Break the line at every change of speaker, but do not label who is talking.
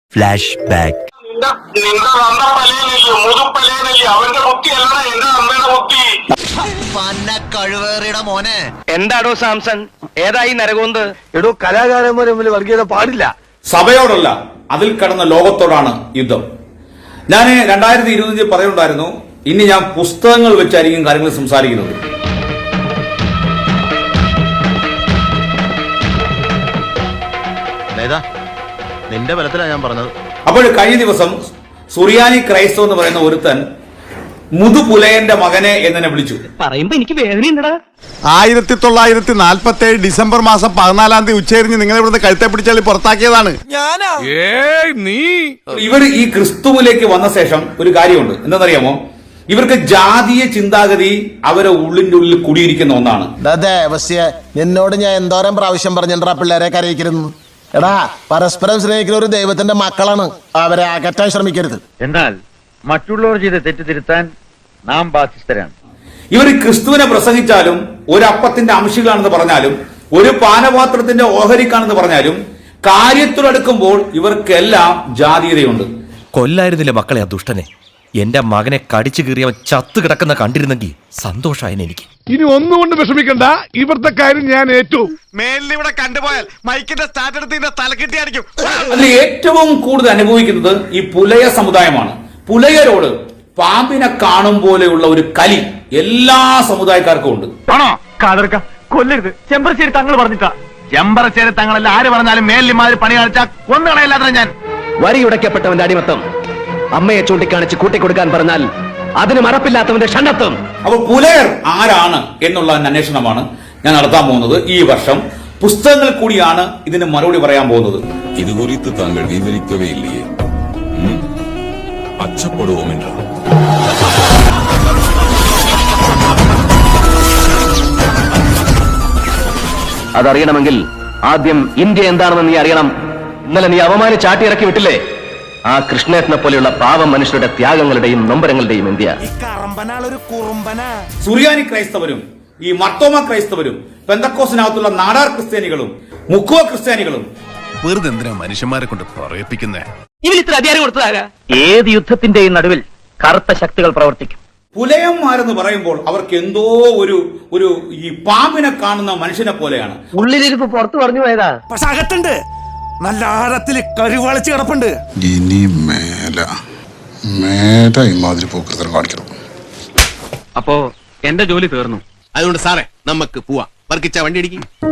Flash back.
കഴിവേറിയുടെ മോനെ
എന്താടോ സാംസൺ, ഏതായി നരകോന്ത്?
എടോ, കലാകാരന്മാരെ മുമ്പിൽ വർഗീയത പാടില്ല.
സഭയോടല്ല, അതിൽ കടന്ന ലോകത്തോടാണ് യുദ്ധം. ഞാൻ 2025 പറയുണ്ടായിരുന്നു, ഇനി ഞാൻ പുസ്തകങ്ങൾ വെച്ചായിരിക്കും കാര്യങ്ങൾ സംസാരിക്കുന്നത്.
നിന്റെ ബലത്തിലാണ് ഞാൻ പറഞ്ഞത്.
അപ്പോൾ കഴിഞ്ഞ ദിവസം സുറിയാനി ക്രൈസ്തവ എന്ന് പറയുന്ന ഒരുത്തൻ മുതുപുലയന്റെ മകനെ എന്നെ വിളിച്ചു.
പറയുമ്പോ എനിക്ക് വേദനയുണ്ടടാ.
1947 ഡിസംബർ മാസം 14 ഉച്ചരിഞ്ഞ് നിങ്ങൾ ഇവിടുന്ന് കഴുത്തെ പിടിച്ചാൽ പുറത്താക്കിയതാണ്.
ഇവർ ഈ ക്രിസ്തുവിലേക്ക് വന്ന ശേഷം ഒരു കാര്യമുണ്ട്, എന്താണെന്നറിയാമോ? ഇവർക്ക് ജാതീയ ചിന്താഗതി അവരെ ഉള്ളിന്റെ ഉള്ളിൽ കുടിയിരിക്കുന്ന ഒന്നാണ്.
എന്നോട് ഞാൻ എന്തോരം പ്രാവശ്യം പറഞ്ഞാ പിള്ളേരെ കരയിക്കരുന്നു. എടാ, പരസ്പരം സ്നേഹിക്കുന്ന ഒരു ദൈവത്തിന്റെ മക്കളാണ്, അവരെ അകറ്റാൻ ശ്രമിക്കരുത്.
എന്നാൽ മറ്റുള്ളവർ ചെയ്ത് തെറ്റിദ്ധരുത്താൻ നാം ബാധ്യസ്ഥരാണ്.
ഇവർ ക്രിസ്തുവിനെ പ്രസംഗിച്ചാലും, ഒരു അപ്പത്തിന്റെ അംശികളാണെന്ന് പറഞ്ഞാലും, ഒരു പാനപാത്രത്തിന്റെ ഓഹരിക്കാണെന്ന് പറഞ്ഞാലും, കാര്യത്തിലെടുക്കുമ്പോൾ ഇവർക്കെല്ലാം ജാതീയതയുണ്ട്.
കൊല്ലായിരുന്നില്ല മക്കളെ ആ ദുഷ്ടനെ. എന്റെ മകനെ കടിച്ചു കീറിയവൻ ചത്തു കിടക്കുന്ന കണ്ടിരുന്നെങ്കിൽ സന്തോഷായനെ എനിക്ക്.
ഇനി ഒന്നുകൊണ്ട് വിഷമിക്കണ്ട, ഇവിടുത്തെ കാര്യം ഞാൻ ഏറ്റു.
മേലിവിടെ കണ്ടുപോയാൽ മൈക്കിന്റെ സ്റ്റാർട്ട് എടുത്ത് തലക്കെട്ടിയായിരിക്കും.
അതിൽ ഏറ്റവും കൂടുതൽ അനുഭവിക്കുന്നത് ഈ പുലയ സമുദായമാണ്. പുലയരോട് പാമ്പിനെ കാണും പോലെയുള്ള ഒരു കലി എല്ലാ സമുദായക്കാർക്കും ഉണ്ട്.
ആണോ? കാതർക്ക കൊല്ലരുത്. ചെമ്പറശ്ശേരി തങ്ങൾ പറഞ്ഞിട്ടാ. ചെമ്പറശ്ശേരി തങ്ങളല്ല ആര് പറഞ്ഞാലും മേലിമാര് പണി കാണിച്ചാൽ കൊന്നുകളയല്ലാതെ ഞാൻ.
വരിയുടയ്ക്കപ്പെട്ടവന്റെ അടിമത്തം അമ്മയെ ചൂണ്ടിക്കാണിച്ച് കൂട്ടിക്കൊടുക്കാൻ പറഞ്ഞാൽ അതിന് മറപ്പില്ലാത്തവന്റെ ഷണ്ടത്വം.
അപ്പോൾ പുലയർ ആരാണ് എന്നുള്ള അന്വേഷണമാണ് ഞാൻ നടത്താൻ പോകുന്നത്. ഈ വർഷം പുസ്തകങ്ങൾ കൂടിയാണ് ഇതിന് മറുപടി പറയാൻ പോകുന്നത്.
ഇത് കുറിച്ച് താങ്കൾ വിവരിക്കവേ ഇല്ലയേ? അച്ചപ്പെടുവോം എன்ற
അതറിയണമെങ്കിൽ ആദ്യം ഇന്ത്യ എന്താണെന്ന് നീ അറിയണം. ഇന്നലെ നീ അവമാനിച്ചാട്ടിയിറക്കി വിട്ടില്ലേ ആ കൃഷ്ണേട്ടനെ പോലെയുള്ള പാവം മനുഷ്യരുടെ ത്യാഗങ്ങളുടെയും നൊമ്പരങ്ങളുടെയും ഇന്ത്യ.
സുറിയാനി ക്രൈസ്തവരും ഈ മർത്തോമ ക്രൈസ്തവരും പെന്തക്കോസിനകത്തുള്ള നാടാർ ക്രിസ്ത്യാനികളും മുക്കുവ ക്രിസ്ത്യാനികളും
വെറുതെ എന്തിനാ മനുഷ്യന്മാരെ കൊണ്ട് പറയിപ്പിക്കുന്നേ?
ഇവർ ഇത്ര അധികാരം കൊടുത്തതാരാ? ഏത് യുദ്ധത്തിന്റെയും നടുവിൽ കറുത്ത ശക്തികൾ പ്രവർത്തിക്കും.
പുലയന്മാരെന്ന് പറയുമ്പോൾ അവർക്ക് എന്തോ ഒരു ഈ പാമ്പിനെ കാണുന്ന മനുഷ്യനെ പോലെയാണ്.
ഉള്ളിലിരിപ്പ് പുറത്തു പറഞ്ഞു പോയതാ.
പക്ഷെ അകത്തുണ്ട്, നല്ല ആഴത്തിൽ കരുവാളിച്ച് കിടപ്പുണ്ട്.
ഇനി മേല ഇമാതിരി പോക്കൃതം കാണിക്കണം.
അപ്പോ എന്റെ ജോലി തീർന്നു.
അതുകൊണ്ട് സാറേ, നമുക്ക് പോവാം. വർക്കിച്ച വണ്ടി ഇടിക്കും.